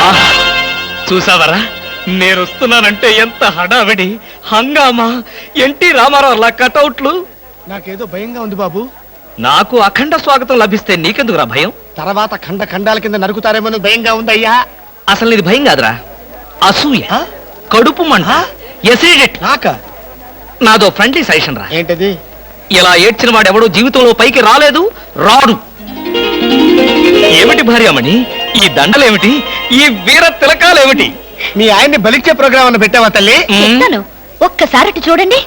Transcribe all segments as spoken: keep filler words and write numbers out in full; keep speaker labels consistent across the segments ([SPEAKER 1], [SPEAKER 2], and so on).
[SPEAKER 1] చూసావరా, నేను వస్తున్నానంటే ఎంత హడావిడి, హంగామా, ఎన్టీ రామారావు లా కటౌట్లు.
[SPEAKER 2] నాకేదో భయంగా ఉంది బాబు.
[SPEAKER 1] నాకు అఖండ స్వాగతం లభిస్తే నీకెందుకురా భయం?
[SPEAKER 2] తర్వాత ఖండ ఖండాల కింద నరుకుతారేమో భయంగా ఉందయ్యా.
[SPEAKER 1] అసలు ఇది భయం కాదురా, అసూయ, కడుపు మంట, ఎసిడిటీ.
[SPEAKER 2] నాక
[SPEAKER 1] నాదో ఫ్రెండ్లీ సజెషన్ రా.
[SPEAKER 2] ఏంటది?
[SPEAKER 1] ఇలా ఏడ్చిన వాడెవడో జీవితంలో పైకి రాలేదు, రాడు. ఏమిటి భార్యమణి ఈ దండలేమిటి, ఈ వీర తిలకాలేమిటి?
[SPEAKER 2] మీ ఆయన్ని బలిచ్చే ప్రోగ్రామ్ అన్న పెట్టావా తల్లి?
[SPEAKER 3] ఒక్కసారి చూడండి.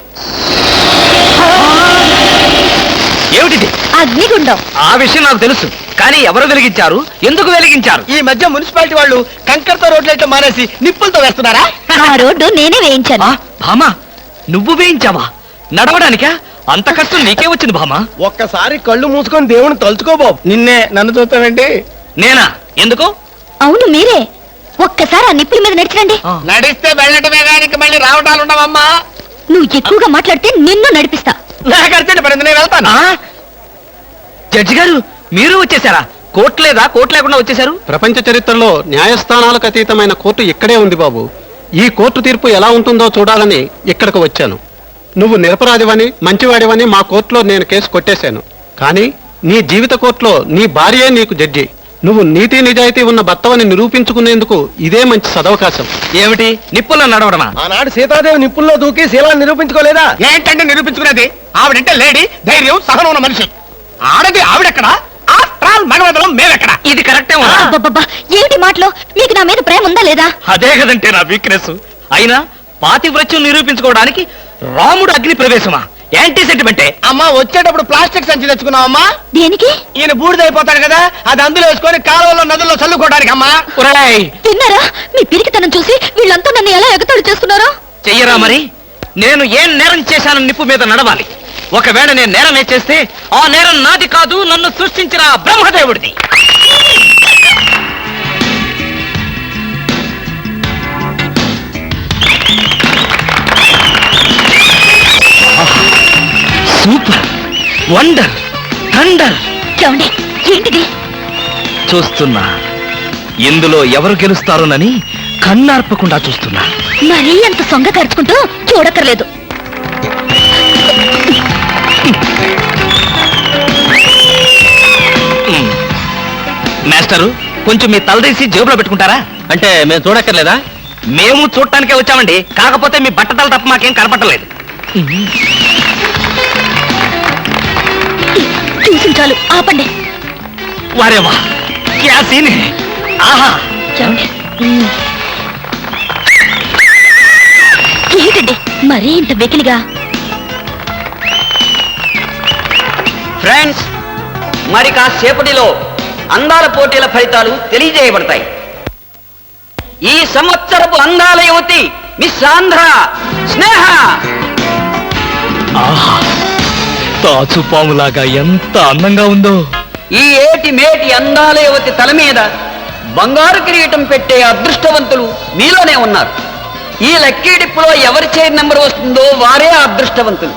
[SPEAKER 1] ఏమిటిది?
[SPEAKER 3] అగ్నిగుండం.
[SPEAKER 1] ఆ విషయం నాకు తెలుసు, కానీ ఎవరు వెలిగించారు, ఎందుకు వెలిగించారు?
[SPEAKER 2] ఈ మధ్య మున్సిపాలిటీ వాళ్ళు కంకరతో రోడ్లైతే మానేసి నిప్పులతో వేస్తున్నారా?
[SPEAKER 3] ఆ రోడ్డు నేనే వేయించాను.
[SPEAKER 1] భామా, నువ్వు వేయించావా? నడవడానికా? అంత కష్టం నీకే వచ్చింది భామా?
[SPEAKER 2] ఒక్కసారి కళ్ళు మూసుకొని దేవుని తలుచుకో బాబు. నిన్నే నన్ను చూస్తావేంటి?
[SPEAKER 1] నేనా? ఎందుకు?
[SPEAKER 3] అవును మీరే. ఒక్కసారి ఆ నిప్పుల మీద నడిచిరండి.
[SPEAKER 2] నడిస్తే వెళ్ళటమే కానీ మళ్ళీ రావటాలు ఉండవమ్మా.
[SPEAKER 3] నువ్వు ఎక్కువగా మాట్లాడితే నిన్ను నడిపిస్తా.
[SPEAKER 2] నాకు అర్జెంట్ పడింది, నేను వెళ్తాను.
[SPEAKER 1] జడ్జి గారు, మీరు వచ్చేసారా? కోర్టు లేదా? కోర్టు లేకుండా వచ్చేసారు?
[SPEAKER 4] ప్రపంచ చరిత్రలో న్యాయస్థానాలకు అతీతమైన కోర్టు ఇక్కడే ఉంది బాబు. ఈ కోర్టు తీర్పు ఎలా ఉంటుందో చూడాలని ఇక్కడికి వచ్చాను. నువ్వు నిరపరాధివని, మంచివాడివని మా కోర్టులో నేను కేసు కొట్టేశాను. కానీ నీ జీవిత కోర్టులో నీ భార్యే నీకు జడ్జి. నువ్వు నీతి నిజాయితీ ఉన్న భర్తవని నిరూపించుకునేందుకు ఇదే మంచి సదవకాశం.
[SPEAKER 1] ఏమిటి నిప్పుల్లో నడవడమా?
[SPEAKER 2] ఆనాడు సీతాదేవి నిప్పుల్లో దూకి శీలాన్ని నిరూపించుకోలేదా? ఏంటంటే నిరూపించుకునేది? ఆవిడంటే లేడీ, ధైర్యం, సహనం ఉన్న మనిషి. ఆడది ఆవిడెక్కడ, ఆఫ్టర్ మనవదలం మేమెక్కడ?
[SPEAKER 1] ఇది కరెక్టే.
[SPEAKER 3] ఏమిటి మాటలు? మీకు నా మీద ప్రేమ ఉందా లేదా?
[SPEAKER 1] అదే కదంటే నా వీక్నెస్. అయినా పాతివ్రత్యం నిరూపించుకోవడానికి రాముడు అగ్ని ప్రవేశమా? యాంటీ సెంటిమెంటే.
[SPEAKER 2] అమ్మా, వచ్చేటప్పుడు ప్లాస్టిక్ సంచి తెచ్చుకున్నావమ్మా.
[SPEAKER 3] దేనికి?
[SPEAKER 2] ఈయన బూడిదైపోతాడు కదా, అది అందులో వేసుకొని కాలువలో నదుల్లో చల్లుకోవడానికి. అమ్మా
[SPEAKER 3] తిన్నారా? మీ పిరికితనం చూసి వీళ్ళంతా నన్ను ఎలా ఎగతాడు చేస్తున్నారో.
[SPEAKER 1] చెయ్యరా మరి? నేను ఏం నేరం చేశానని నిప్పు మీద నడవాలి. ఒకవేళ నేను నేరమే చేస్తే ఆ నేరం నాది కాదు, నన్ను సృష్టించిన బ్రహ్మదేవుడిది. Super, wonder, thunder.
[SPEAKER 3] చూడండి, ఏంటిది?
[SPEAKER 1] చూస్తున్నా. ఇందులో ఎవరు గెలుస్తారోనని కన్నార్పకుండా చూస్తున్నా.
[SPEAKER 3] మరీ అంత సొంగ ఖర్చుకుంటూ చూడక్కర్లేదు.
[SPEAKER 1] మాస్టరు, కొంచెం మీ తలదీసి జేబులో పెట్టుకుంటారా?
[SPEAKER 4] అంటే మేము చూడక్కర్లేదా?
[SPEAKER 1] మేము చూడటానికే వచ్చామండి. కాకపోతే మీ బట్టతల తప్ప మాకేం కనపట్టలేదు.
[SPEAKER 3] చూసి చాలు, ఆపండి.
[SPEAKER 1] వారేవా, క్యా సీన్ హై. ఆహా,
[SPEAKER 3] ఏంటండి మరీ ఇంత వెకిలిగా?
[SPEAKER 5] ఫ్రెండ్స్, మరి కాసేపటిలో అందాల పోటీల ఫలితాలు తెలియజేయబడతాయి. ఈ సంవత్సరపు అందాల యువతి మిస్ ఆంధ్ర స్నేహ.
[SPEAKER 1] ఆహా, తాచుపాములాగా ఎంత అందంగా ఉందో.
[SPEAKER 5] ఈ ఏటి మేటి అందాల యువతి తల మీద బంగారు కిరీటం పెట్టే అదృష్టవంతులు మీలోనే ఉన్నారు. ఈ లక్కీ డిప్పులో ఎవరి చైర్ నెంబర్ వస్తుందో వారే అదృష్టవంతులు.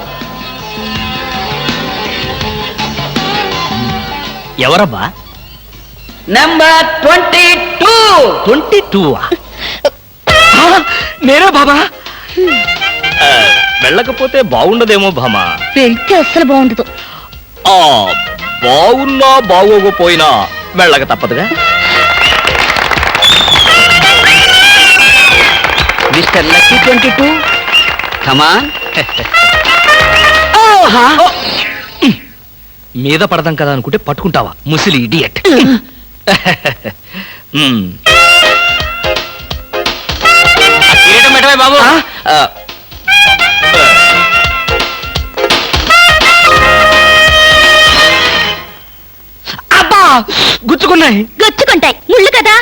[SPEAKER 1] ఎవరబ్బా?
[SPEAKER 5] Number twenty two.
[SPEAKER 1] Twenty two నేనే బాబా. వెళ్ళకపోతే బాగుండదేమో భామా.
[SPEAKER 3] వెళ్తే అస్సలు బాగుండదు.
[SPEAKER 1] ఆ బాగున్నా బాగోకపోయినా వెళ్ళక తప్పదుగా.
[SPEAKER 5] Mister lucky twenty two, come on.
[SPEAKER 1] మీద పడదాం కదా అనుకుంటే పట్టుకుంటావా ముసిలి ఇడియట్. కిరీటం పెట్టవే బాబు. అబ్బా, గుచ్చుకున్నాయి.
[SPEAKER 3] గుచ్చుకుంటాయి, ముళ్ళు కదా.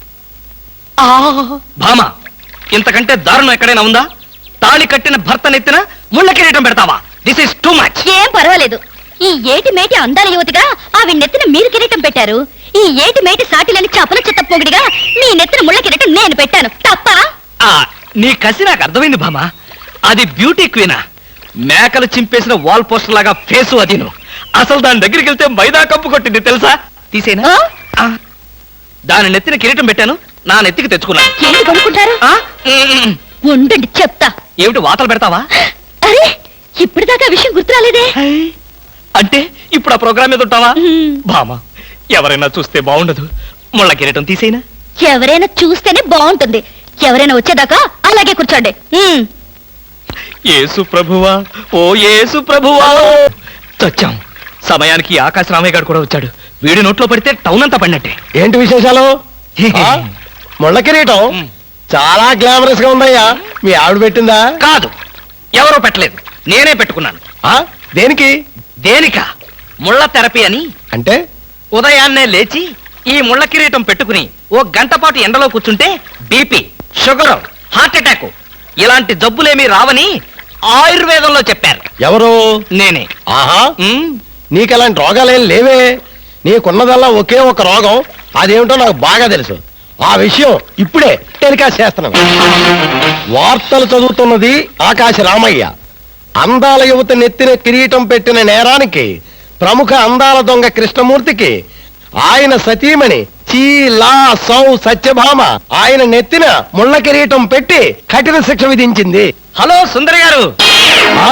[SPEAKER 1] భామ, ఇంతకంటే దారుణం ఎక్కడైనా ఉందా? తాళి కట్టిన భర్త నెత్తిన ముళ్ళ కిరీటం పెడతావా? This is too much.
[SPEAKER 3] ఏం పర్వాలేదు. ఈ ఏటి మేటి అందాల యువతిగా ఆవి నెత్తిన మీరు కిరీటం పెట్టారు. ఈ ఏటి మేటి సాటిలని చపల చెత్త పొగిడిగా మీ నెత్తిన ముళ్ళ కిరీటం నేను పెట్టాను. తప్ప?
[SPEAKER 1] నీ కసి నాకు అర్థమైంది భామ. అది బ్యూటీ క్వీనా? మేకలు చింపేసిన వాల్ పోస్టర్ లాగా ఫేసు అది. నువ్వు అసలు దాని దగ్గరికి వెళ్తే మైదా కప్పు కొట్టింది తెలుసా? తీసేనా? దాని నెత్తిన కిరీటం పెట్టాను, నా నెత్తికి తెచ్చుకున్నాను.
[SPEAKER 3] ఏంటి కొనుక్కుంటారు?
[SPEAKER 1] ఆ? ఉమ్.
[SPEAKER 3] ఉండండి చెప్తా.
[SPEAKER 1] ఏమిటి వాతలు పెడతావా?
[SPEAKER 3] అరే ఇప్పటిదాకా ఆ విషయం గుర్తురాలేదే.
[SPEAKER 1] అంటే ఇప్పుడు ఆ ప్రోగ్రామ్ మీద ఉంటావా?
[SPEAKER 3] ఉమ్.
[SPEAKER 1] బామా, ఎవరైనా చూస్తే బాగుండదు. ముళ్ళ కిరీటం తీసేనా?
[SPEAKER 3] ఎవరైనా చూస్తేనే బాగుంటుంది. ఎవరైనా వచ్చేదాకా అలాగే కూర్చోండి. ఉమ్.
[SPEAKER 1] యేసు ప్రభువా, ఓ యేసు ప్రభువా. చచ్చాం. సమయానికి ఆకాశ రామయ్య గారు కూడా వచ్చాడు. వీడి నోట్లో పడితే టౌన్ అంతా పడినట్టే.
[SPEAKER 2] ఏంటి విశేషాలు? ఆ? ముళ్ళ కిరీటం
[SPEAKER 1] ఉమ్.
[SPEAKER 2] చాలా గ్లామరస్ గా ఉందయ్యా. మీ ఆవిడ పెట్టిందా?
[SPEAKER 1] కాదు, ఎవరో పెట్టలేదు, నేనే పెట్టుకున్నాను.
[SPEAKER 2] ఆ? దేనికి?
[SPEAKER 1] దేనికా? ముళ్ళ థెరపీ అని.
[SPEAKER 2] అంటే
[SPEAKER 1] ఉదయాన్నే లేచి ఈ ముళ్ళ కిరీటం పెట్టుకుని ఓ గంట పాటు ఎండలో కూర్చుంటే బీపీ, షుగర్, హార్ట్ అటాక్ ఇలాంటి జబ్బులేమీ రావని ఆయుర్వేదంలో చెప్పారు.
[SPEAKER 2] ఎవరు?
[SPEAKER 1] నేనే.
[SPEAKER 2] ఆహా,
[SPEAKER 1] ఉమ్,
[SPEAKER 2] నీకెలాంటి రోగాలేం లేవే. నీకున్నదల్లా ఒకే ఒక రోగం. అదేమిటో నాకు బాగా తెలుసు. ఆ విషయం ఇప్పుడే టెలికాస్ట్ చేస్తున్నాను. వార్తలు చదువుతున్నది ఆకాశ రామయ్య. అందాల యువత నెత్తిన కిరీటం పెట్టిన నేరానికి ప్రముఖ అందాల దొంగ కృష్ణమూర్తికి ఆయన సతీమణి చీలా సౌ సత్యభామ ఆయన నెత్తిన ముళ్ళ కిరీటం పెట్టి కఠిన శిక్ష విధించింది.
[SPEAKER 1] హలో సుందరి గారు,
[SPEAKER 2] ఆ?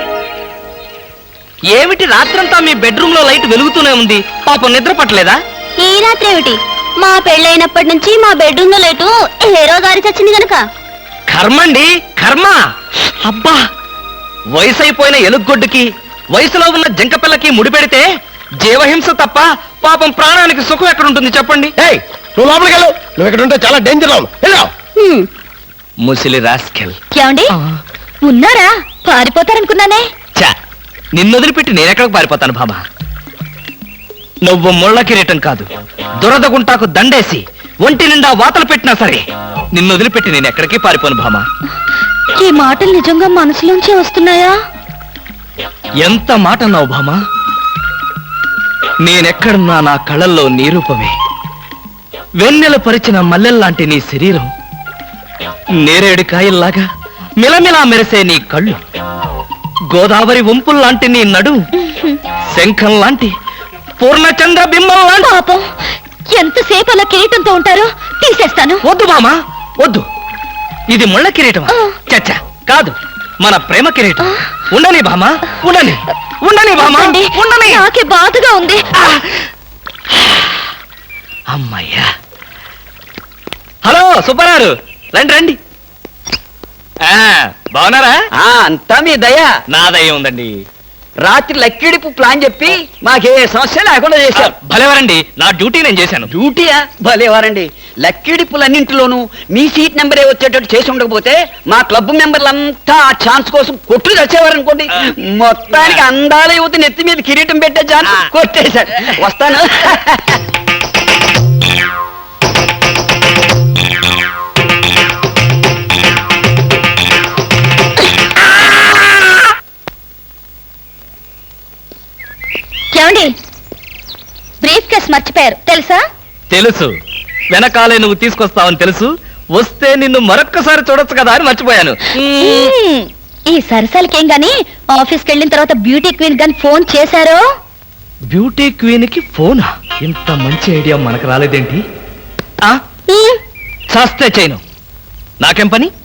[SPEAKER 1] ఏమిటి రాత్రంతా మీ బెడ్రూమ్ లో లైట్ వెలుగుతూనే ఉంది? పాపం నిద్ర పట్టలేదా?
[SPEAKER 3] ఈ రాత్రి ఏమిటి? మా పెళ్ళైనప్పటి నుంచి మా బెడ్రూమ్ లో లేటు హీరో గారి చచ్చింది గనక.
[SPEAKER 1] కర్మండి, కర్మ. అబ్బా, వయసు అయిపోయిన ఎలుగొడ్డుకి వయసులో ఉన్న జంకపిల్లకి ముడిపెడితే జీవహింస తప్ప పాపం ప్రాణానికి సుఖం ఎక్కడుంటుంది చెప్పండి?
[SPEAKER 2] ఏయ్, నువ్వు లోపలికి వెళ్ళు. నువ్వు ఇక్కడ ఉంటే చాలా డేంజర్ లో ఉన్నావు.
[SPEAKER 3] హ్మ్.
[SPEAKER 1] ముసిలి రాస్కెల్.
[SPEAKER 3] ఏమండి ఉన్నారా? పారిపోతారనుకున్నానే.
[SPEAKER 1] చా, నిన్ను వదిలిపెట్టి నేనెక్కడికి పారిపోతాను బాబా? నువ్వు ముళ్ళ కిరీటం కాదు, దురద గుంటాకు దండేసి ఒంటి నిండా వాతలు పెట్టినా సరే నిన్ను వదిలిపెట్టి నేను ఎక్కడికి పారిపోను భామా.
[SPEAKER 3] ఈ మాటలు నిజంగా మనసులోంచి వస్తున్నాయా?
[SPEAKER 1] ఎంత మాట అన్నావు భామా. నేనెక్కడున్నా నా కళ్ళల్లో నీ రూపమే. వెన్నెల పరిచిన మల్లెల్లాంటి నీ శరీరం, నేరేడు కాయల్లాగా మిలమిలా మెరిసే నీ కళ్ళు, గోదావరి వంపుల్లాంటి నీ నడు, శంఖం లాంటి పూర్ణచంద్ర బింబం లాంటి.
[SPEAKER 3] పాపం ఎంతసేపు అలా కిరీటంతో ఉంటారో తీసేస్తాను.
[SPEAKER 1] వద్దు బామా, వద్దు. ఇది ముళ్ళ కిరీటమా? చచ్చా, కాదు, మన ప్రేమ కిరీటం. ఉండని బామా, ఉండని, ఉండని బామా,
[SPEAKER 3] వద్దండి,
[SPEAKER 1] ఉండని.
[SPEAKER 3] నాకే బాధగా ఉంది.
[SPEAKER 1] అమ్మయ్యా. హలో సుబ్బారావు, రండి రండి. ఆ, బాగున్నారా?
[SPEAKER 5] అంతా మీ దయ.
[SPEAKER 1] నా దయ ఉందండి.
[SPEAKER 5] రాత్రి లక్కిడిపు ప్లాన్ చెప్పి మాకే సమస్య లేకుండా చేశారు.
[SPEAKER 1] భలేవారండి, నా డ్యూటీ నేను చేశాను.
[SPEAKER 5] డ్యూటీయా? భలేవారండి. లక్కిడిపులన్నింటిలోనూ మీ సీట్ నెంబరే వచ్చేటట్టు చేసి ఉండకపోతే మా క్లబ్ మెంబర్లంతా ఆ ఛాన్స్ కోసం కొట్టు తెచ్చేవారనుకోండి. మొత్తానికి అందాల యువత నెత్తి మీద కిరీటం పెట్టే ఛాన్స్ కొట్టేశారు. వస్తాను.
[SPEAKER 3] ఏమండి బ్రీఫ్ కేస్ మర్చిపోయారు తెలుసా?
[SPEAKER 1] తెలుసు, వెనకాలే నువ్వు తీసుకొస్తావని తెలుసు. వస్తే నిన్ను మరొక్కసారి చూడొచ్చు కదా అని మర్చిపోయాను.
[SPEAKER 3] మ్మ్. ఈ సరసాలకేం గాని ఆఫీస్కి వెళ్ళిన తర్వాత బ్యూటీ క్వీన్ గాని ఫోన్ చేశారో?
[SPEAKER 1] బ్యూటీ క్వీన్ కి ఫోనా? ఇంత మంచి ఐడియా మనకు రాలేదేంటి? ఆ,
[SPEAKER 3] మ్మ్.
[SPEAKER 1] చేస్తే చేయను, నాకేం పని?